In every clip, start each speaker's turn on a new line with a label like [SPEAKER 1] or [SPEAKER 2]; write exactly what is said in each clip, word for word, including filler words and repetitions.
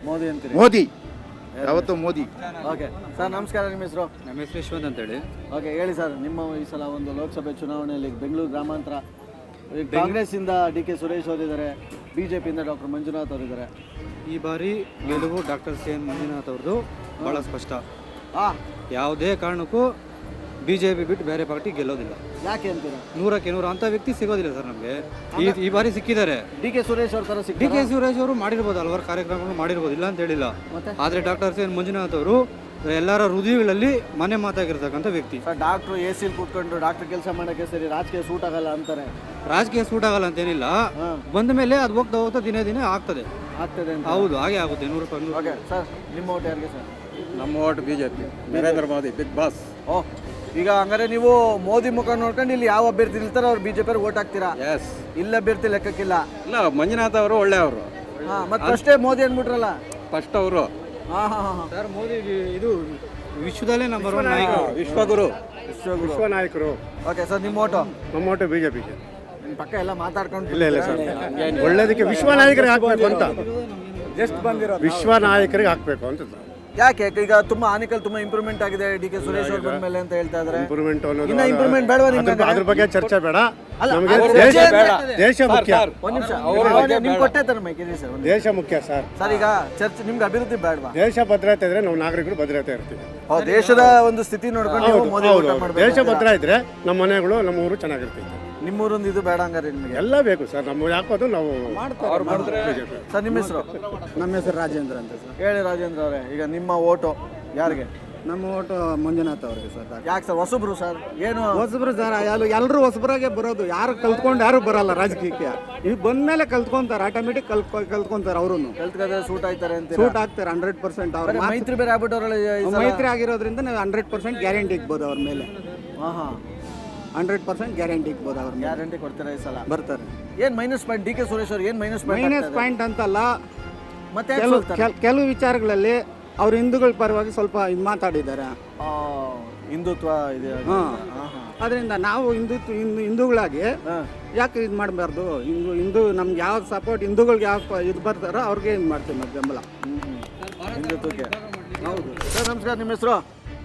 [SPEAKER 1] ಮೋದಿ ಅಂತೀರಿ?
[SPEAKER 2] ಮೋದಿ ಯಾವತ್ತು Modi.
[SPEAKER 1] Okay sir, ನಮಸ್ಕಾರ. ನಿಮ್ಮ ಹೆಸರು?
[SPEAKER 3] ನಮ್ಮ ಹೆಸರು ಯಶವಂತ್ ಅಂತೇಳಿ.
[SPEAKER 1] ಓಕೆ, ಹೇಳಿ ಸರ್, ನಿಮ್ಮ ಈ ಸಲ ಒಂದು ಲೋಕಸಭೆ ಚುನಾವಣೆಯಲ್ಲಿ ಬೆಂಗಳೂರು ಗ್ರಾಮಾಂತರ ಕಾಂಗ್ರೆಸ್ಸಿಂದ ಡಿ ಕೆ ಸುರೇಶ್ ಅವರಿದ್ದಾರೆ, ಬಿ ಜೆ ಪಿಯಿಂದ ಡಾಕ್ಟರ್ ಮಂಜುನಾಥ್ ಅವರಿದ್ದಾರೆ.
[SPEAKER 3] ಈ ಬಾರಿ ಗೆಲುವು ಡಾಕ್ಟರ್ ಸಿ ಎನ್ ಮಂಜುನಾಥ್ ಅವ್ರದ್ದು ಭಾಳ ಸ್ಪಷ್ಟ.
[SPEAKER 1] ಆ
[SPEAKER 3] ಯಾವುದೇ ಕಾರಣಕ್ಕೂ ಬಿ ಜೆ ಪಿ ಬಿಟ್ಟು ಬೇರೆ ಪಾರ್ಟಿ ಗೆಲ್ಲೋದಿಲ್ಲ.
[SPEAKER 1] ಯಾಕೆ ಅಂತೀರಾ?
[SPEAKER 3] ನೂರಕ್ಕೆ ನೂರು ಅಂಥ ವ್ಯಕ್ತಿ ಸಿಗೋದಿಲ್ಲ ಸರ್ ನಮಗೆ. ಈ ಈ ಬಾರಿ ಸಿಕ್ಕಿದ್ದಾರೆ.
[SPEAKER 1] ಡಿ ಕೆ ಸುರೇಶ್ ಅವ್ರ ಥರ
[SPEAKER 3] ಡಿ
[SPEAKER 1] ಸಿಗ್ತಾರೆ.
[SPEAKER 3] ಕೆ ಸುರೇಶ್ ಅವರು ಮಾಡಿರ್ಬೋದು, ಹಲವಾರು ಕಾರ್ಯಕ್ರಮಗಳು ಮಾಡಿರ್ಬೋದು, ಇಲ್ಲ ಅಂತ ಹೇಳಿಲ್ಲ.
[SPEAKER 1] ಮತ್ತೆ
[SPEAKER 3] ಆದರೆ ಡಾಕ್ಟರ್ ಸಿ ಎನ್ ಮಂಜುನಾಥ್ ಅವರು ಎಲ್ಲರ ಹೃದಯಗಳಲ್ಲಿ ಮನೆ ಮಾತಾಗಿರ್ತಕ್ಕಂಥ ವ್ಯಕ್ತಿ.
[SPEAKER 1] ಸರ್, ಡಾಕ್ಟ್ರು ಎ ಸಿಲಿ ಕೂತ್ಕೊಂಡು ಡಾಕ್ಟರ್ ಕೆಲಸ ಮಾಡೋಕ್ಕೆ ಸರಿ ರಾಜಕೀಯ ಸೂಟ್ ಆಗಲ್ಲ ಅಂತಾರೆ.
[SPEAKER 3] ರಾಜಕೀಯ ಸೂಟ್ ಆಗಲ್ಲ ಅಂತೇನಿಲ್ಲ,
[SPEAKER 1] ಹಾಂ,
[SPEAKER 3] ಬಂದ ಮೇಲೆ ಅದು ಹೋಗ್ತಾ ಹೋಗ್ತಾ ದಿನೇ ದಿನೇ ಆಗ್ತದೆ.
[SPEAKER 1] ಆಗ್ತದೆ ಅಂತ.
[SPEAKER 3] ಹೌದು, ಹಾಗೆ ಆಗುತ್ತೆ ನೂರು ರೂಪಾಯಿ.
[SPEAKER 1] ಓಕೆ ಸರ್, ನಿಮ್ಮ ಓಟ್ ಯಾರಿಗೆ ಸರ್?
[SPEAKER 4] ನಮ್ಮ vote B J P, Narendra Modi big boss.
[SPEAKER 1] ಓ, ಈಗ ಹಂಗಾರೆ ನೀವು ಮೋದಿ ಮುಖ ನೋಡ್ಕೊಂಡು ಇಲ್ಲಿ ಯಾವ ಅಭ್ಯರ್ಥಿ ನಿಲ್ತಾರೋ ಅವ್ರು ಬಿಜೆಪಿ ಅವ್ರಿಗೆ ಓಟ್ ಹಾಕ್ತೀರಾ?
[SPEAKER 4] ಎಸ್.
[SPEAKER 1] ಇಲ್ಲ ಅಭ್ಯರ್ಥಿ ಲೆಕ್ಕಕ್ಕಿಲ್ಲ.
[SPEAKER 4] ಇಲ್ಲ, ಮಂಜುನಾಥ್ ಅವರು ಒಳ್ಳೆಯವರು.
[SPEAKER 1] ಹಾ, ಮತ್ತೆ ಅಷ್ಟೇ ಮೋದಿ ಅಂದ್ಬಿಟ್ರಲ್ಲ.
[SPEAKER 4] ಫಸ್ಟ್ ಅವರು
[SPEAKER 1] ಹಾ ಹಾ ಹಾ
[SPEAKER 3] ಸರ್, ಮೋದಿ ಇದು ವಿಶ್ವದಲ್ಲೇ ನಂಬರ್ ಒನ್ ನಾಯಕ,
[SPEAKER 4] ವಿಶ್ವಗುರು,
[SPEAKER 1] ವಿಶ್ವಗುರು.
[SPEAKER 2] ವಿಶ್ವ ನಾಯಕರು.
[SPEAKER 1] ಓಕೆ ಸರ್, ನಿಮ್ಮ ಓಟು?
[SPEAKER 2] ನಮ್ಮ ಓಟು ಬಿಜೆಪಿಗೆ.
[SPEAKER 1] ನಿಮ್ಮ ಪಕ್ಕ ಎಲ್ಲ ಮಾತಾಡ್ಕೊಂಡು
[SPEAKER 2] ಇಲ್ಲ ಇಲ್ಲ ಸರ್, ಒಳ್ಳೇದಕ್ಕೆ ವಿಶ್ವ ನಾಯಕರಿಗೆ ಹಾಕ್ಬೇಕು ಅಂತ. ವಿಶ್ವ ನಾಯಕರಿಗೆ ಹಾಕ್ಬೇಕು ಅಂತ.
[SPEAKER 1] ಯಾಕೆ ಈಗ ತುಂಬಾ ಆನಿಕಲ್ ತುಂಬಾ ಇಂಪ್ರೂವ್ಮೆಂಟ್ ಆಗಿದೆ ಡಿ ಕೆ ಸುರೇಶ್ ಅವ್ರ ಬಂದ್ಮೇಲೆ ಅಂತ ಹೇಳ್ತಾ ಇದಾರೆ.
[SPEAKER 2] ಇಂಪ್ರೂವ್ಮೆಂಟ್ ಅನ್ನೋದು
[SPEAKER 1] ಇನ್ನ ಇಂಪ್ರೂವ್ಮೆಂಟ್ ಬೇಡವಾ ನಿಮ್ಗೆ?
[SPEAKER 2] ಅದ್ರ- ಅದ್ರ ಬಗ್ಗೆ ಚರ್ಚೆ ಬೇಡ.
[SPEAKER 1] ಅಲ್ಲ,
[SPEAKER 2] ನಮಗೆ
[SPEAKER 1] ಅವ್ರ
[SPEAKER 2] ದೇಶ
[SPEAKER 1] ಬಗ್ಗೆ ಬೇಡ.
[SPEAKER 2] ದೇಶ ಮುಖ್ಯ.
[SPEAKER 1] ಒಂದ್ ನಿಮಿಷ, ನಿಮ್ಗೆ ಕೊಟ್ಟೆ ತರ ಮೈಕ್ ಸರ್. ಒಂದ್
[SPEAKER 2] ದೇಶ ಮುಖ್ಯ ಸರ್.
[SPEAKER 1] ಸರ್, ಈಗ ಚರ್ಚೆ ನಿಮ್ಗೆ ಅಭಿವೃದ್ಧಿ ಬೇಡವಾ?
[SPEAKER 2] ದೇಶ ಭದ್ರತೆ ಇದ್ರೆ ನಾವು ನಾಗರಿಕರು ಭದ್ರತೆ ಇರ್ತೀವಿ.
[SPEAKER 1] ಹೌದು, ದೇಶದ ಒಂದು ಸ್ಥಿತಿ ನೋಡ್ಕೊಂಡು ನೀವು
[SPEAKER 2] ಹೌದು,
[SPEAKER 1] ಮೋದಿ
[SPEAKER 2] ಹೌದು,
[SPEAKER 1] ಊಟ
[SPEAKER 2] ಹೌದು.
[SPEAKER 1] ಮಾಡ್ಬೇಕು.
[SPEAKER 2] ದೇಶ ಭದ್ರ ಇದ್ರೆ ನಮ್ಮ ಮನೆಗಳು ನಮ್ಮ ಊರು ಚೆನ್ನಾಗಿರ್ತೈತೆ.
[SPEAKER 1] ನಿಮ್ಮೂರೊಂದು ಇದು ಬೇಡ ಹಂಗಾರೆ ನಿಮಗೆ?
[SPEAKER 2] ಎಲ್ಲ ಬೇಕು ಸರ್. ನಮ್ಮ ಯಾಕೋದು ನಾವು ಬಿಜೆಪಿ.
[SPEAKER 1] ಸರ್, ನಿಮ್ಮ ಹೆಸರು?
[SPEAKER 5] ನಮ್ಮ ಹೆಸರು ರಾಜೇಂದ್ರ ಅಂತ ಸರ್.
[SPEAKER 1] ಹೇಳಿ ರಾಜೇಂದ್ರ ಅವರೇ, ಈಗ ನಿಮ್ಮ ಓಟು ಯಾರಿಗೆ?
[SPEAKER 5] ನಮ್ಮ ಓಟು ಮಂಜುನಾಥ್ ಅವರಿಗೆ ಸರ್.
[SPEAKER 1] ಯಾಕೆ ಸರ್, ಹೊಸಬ್ರು ಸರ್? ಏನು
[SPEAKER 5] ಹೊಸಬ್ರು ಸರ್, ಎಲ್ಲ ಎಲ್ಲರೂ ಹೊಸಬ್ರಾಗೆ ಬರೋದು. ಯಾರು ಕಲ್ತ್ಕೊಂಡು ಯಾರು ಬರಲ್ಲ ರಾಜಕೀಯಕ್ಕೆ. ಈಗ ಬಂದ್ಮೇಲೆ ಕಲ್ತ್ಕೊಂತಾರೆ, ಆಟೋಮೆಟಿಕ್ ಕಲ್ತ್ಕೊ ಕಲ್ತ್ಕೊಂತಾರೆ ಅವರು.
[SPEAKER 1] ಕಲ್ತ್ಕದ್ರೆ ಸೂಟ್ ಆಯ್ತಾರೆ ಅಂತ
[SPEAKER 5] ಸೂಟ್ ಆಗ್ತಾರೆ ಹಂಡ್ರೆಡ್ ಪರ್ಸೆಂಟ್. ಅವ್ರ
[SPEAKER 1] ಮೈತ್ರಿ ಬೇರೆ ಆಗ್ಬಿಟ್ಟವ್ರಲ್ಲ.
[SPEAKER 5] ಮೈತ್ರಿ ಆಗಿರೋದ್ರಿಂದ ನಾವು ಹಂಡ್ರೆಡ್ ಪರ್ಸೆಂಟ್ ಗ್ಯಾರಂಟಿ ಇಕ್ಬೋದು ಅವ್ರ ಮೇಲೆ.
[SPEAKER 1] ಹಾ ಹಾ
[SPEAKER 5] ಹಂಡ್ರೆಡ್ ಪರ್ಸೆಂಟ್ ಗ್ಯಾರಂಟಿ ಇಕ್ಬೋದು ಅವ್ರ ಮೇಲೆ.
[SPEAKER 1] ಗ್ಯಾರಂಟಿ ಕೊಡ್ತಾರೆ ಈ ಸಲ.
[SPEAKER 5] ಬರ್ತಾರೆ.
[SPEAKER 1] ಏನ್ minus point D K Suresh ಅವ್ರು? ಏನ್ ಮೈನಸ್ ಪಾಯಿಂಟ್?
[SPEAKER 5] ಮೈನಸ್ ಪಾಯಿಂಟ್ ಅಂತಲ್ಲ,
[SPEAKER 1] ಮತ್ತೆ ಯಾಕ್
[SPEAKER 5] ಕೆಲವು
[SPEAKER 1] ಸೋಲ್ತಾರೆ?
[SPEAKER 5] ಕೆಲ್- ಕೆಲವು ವಿಚಾರಗಳಲ್ಲಿ ಅವ್ರು ಹಿಂದೂಗಳ ಪರವಾಗಿ ಸ್ವಲ್ಪ ಇದು ಮಾತಾಡಿದ್ದಾರೆ.
[SPEAKER 1] ಆ, ಹಿಂದುತ್ವ ಇದೆ.
[SPEAKER 5] ಹಾಂ,
[SPEAKER 1] ಹಾ ಹಾ
[SPEAKER 5] ಅದರಿಂದ ನಾವು ಹಿಂದುತ್ವ ಹಿಂದೂ ಹಿಂದೂಗಳಾಗಿ
[SPEAKER 1] ಹಾ.
[SPEAKER 5] ಯಾಕೆ ಇದು ಮಾಡಬಾರ್ದು? ಹಿಂದೂ ಹಿಂದೂ ನಮ್ಗೆ ಯಾವ ಸಪೋರ್ಟ್ ಹಿಂದೂಗಳಿಗೆ ಯಾವ ಇದು ಬರ್ತಾರೋ ಅವ್ರಿಗೆ ಇದು ಮಾಡ್ತೀವಿ ನಾವು ಬೆಂಬಲ.
[SPEAKER 1] ಹ್ಮ್ ಹ್ಮ್. ಹಿಂದುತ್ವಕ್ಕೆ.
[SPEAKER 5] ಹೌದು
[SPEAKER 1] ಸರ್, ನಮಸ್ಕಾರ. ನಿಮ್ಮ ಹೆಸರು?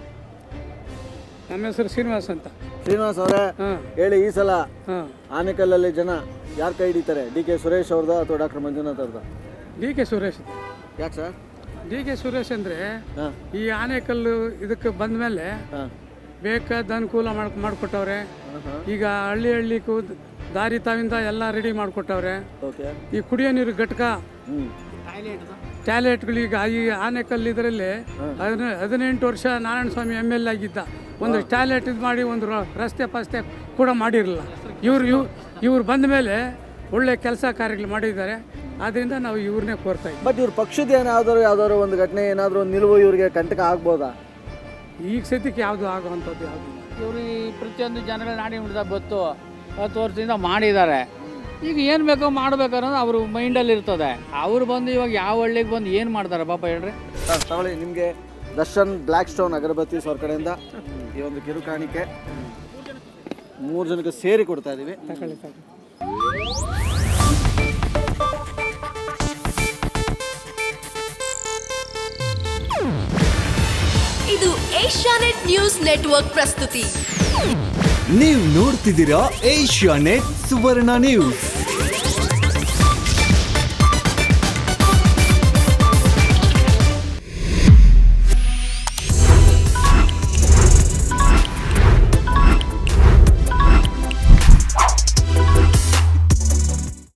[SPEAKER 6] ನಮ್ಮ ಹೆಸರು ಶ್ರೀನಿವಾಸ್ ಅಂತ.
[SPEAKER 1] ಶ್ರೀನಿವಾಸ್ ಅವರೇ,
[SPEAKER 6] ಹಾಂ
[SPEAKER 1] ಹೇಳಿ, ಈ ಸಲ
[SPEAKER 6] ಹಾಂ
[SPEAKER 1] ಆನೆಕಲ್ಲಲ್ಲಿ ಜನ ಯಾರು ಕೈ ಹಿಡಿತಾರೆ? ಡಿ ಕೆ ಸುರೇಶ್ ಅವ್ರದ ಅಥವಾ ಡಾಕ್ಟರ್ ಮಂಜುನಾಥ್ ಅವ್ರದ?
[SPEAKER 6] D K Suresh.
[SPEAKER 1] ಯಾಕೆ ಸರ್?
[SPEAKER 6] ಡಿ ಕೆ ಸುರೇಶ್ ಅಂದರೆ
[SPEAKER 1] ಹಾಂ
[SPEAKER 6] ಈ ಆನೆಕಲ್ಲು ಇದಕ್ಕೆ ಬಂದ ಮೇಲೆ
[SPEAKER 1] ಹಾಂ
[SPEAKER 6] ಬೇಕಾದ ಅನುಕೂಲ ಮಾಡ್ ಮಾಡಿಕೊಟ್ಟವ್ರೆ.
[SPEAKER 1] ಹಾಂ
[SPEAKER 6] ಈಗ ಹಳ್ಳಿ ಹಳ್ಳಿಗೂ ದಾರಿ ತಾವಿಂದ ಎಲ್ಲ ರೆಡಿ ಮಾಡಿಕೊಟ್ಟವ್ರೆ.
[SPEAKER 1] ಓಕೆ.
[SPEAKER 6] ಈ ಕುಡಿಯೋ ನೀರು ಘಟಕ,
[SPEAKER 1] ಹ್ಞೂ
[SPEAKER 6] ಟಾಯ್ಲೆಟ್ಗಳೀಗ ಈ ಆನೆಕಲ್ ಇದರಲ್ಲಿ ಹದಿನ ಹದಿನೆಂಟು ವರ್ಷ ನಾರಾಯಣ ಸ್ವಾಮಿ ಎಮ್ ಎಲ್ ಆಗಿದ್ದ. ಒಂದು ಟಾಯ್ಲೆಟ್ ಇದು ಮಾಡಿ ಒಂದು ರ- ರಸ್ತೆ ಪಸ್ತೆ ಕೂಡ ಮಾಡಿರಲಿಲ್ಲ. ಇವ್ರು ಇವ್ ಇವ್ರು ಬಂದ ಮೇಲೆ ಒಳ್ಳೆ ಕೆಲಸ ಕಾರ್ಯಗಳು ಮಾಡಿದ್ದಾರೆ. ಆದ್ದರಿಂದ ನಾವು ಇವ್ರನ್ನೇ ಕೋರ್ತಾ ಇದ್ದೀವಿ.
[SPEAKER 1] ಬಟ್ ಇವ್ರ ಪಕ್ಷದ ಏನಾದರೂ ಯಾವ್ದಾದ್ರು ಒಂದು ಘಟನೆ ಏನಾದರೂ ಒಂದು ನಿಲುವು ಇವ್ರಿಗೆ ಕಂಟಕ ಆಗ್ಬೋದಾ?
[SPEAKER 6] ಈಗ ಸದ್ಯಕ್ಕೆ ಯಾವುದು ಆಗುವಂಥದ್ದು ಯಾವುದು ಇಲ್ಲ.
[SPEAKER 7] ಇವರು ಈ ಪ್ರತಿಯೊಂದು ಜನಗಳ ನಾಡಿ ಮಿಡಿದ ಗೊತ್ತು, ಹತ್ತು ವರ್ಷದಿಂದ ಮಾಡಿದ್ದಾರೆ. ಈಗ ಏನು ಬೇಕೋ ಮಾಡಬೇಕು ಅನ್ನೋದು ಅವ್ರ ಮೈಂಡಲ್ಲಿ ಇರ್ತದೆ. ಅವ್ರು ಬಂದು ಇವಾಗ ಯಾವ ಹಳ್ಳಿಗೆ ಬಂದು ಏನು ಮಾಡ್ತಾರೆ ಪಾಪ ಹೇಳ್ರಿ.
[SPEAKER 1] ಸರ್, ತಗೊಳ್ಳಿ, ನಿಮಗೆ ದರ್ಶನ್ ಬ್ಲ್ಯಾಕ್ ಸ್ಟೋನ್ ಅಗರಬತ್ತಿ ಅವ್ರ ಕಡೆಯಿಂದ ಈ ಒಂದು ಕಿರು ಕಾಣಿಕೆ ಮೂರು ಜನಕ್ಕೆ ಸೇರಿ ಕೊಡ್ತಾ ಇದ್ದೀವಿ.
[SPEAKER 6] ತಗೊಳ್ಳಿ ತಗೊಳ್ಳಿ.
[SPEAKER 8] ಇದು ಏಷ್ಯಾನೆಟ್ ನ್ಯೂಸ್ ನೆಟ್ವರ್ಕ್ ಪ್ರಸ್ತುತಿ.
[SPEAKER 9] ನೀವು ನೋಡ್ತಿದ್ದೀರಾ ಏಷ್ಯಾನೆಟ್ ಸುವರ್ಣ ನ್ಯೂಸ್.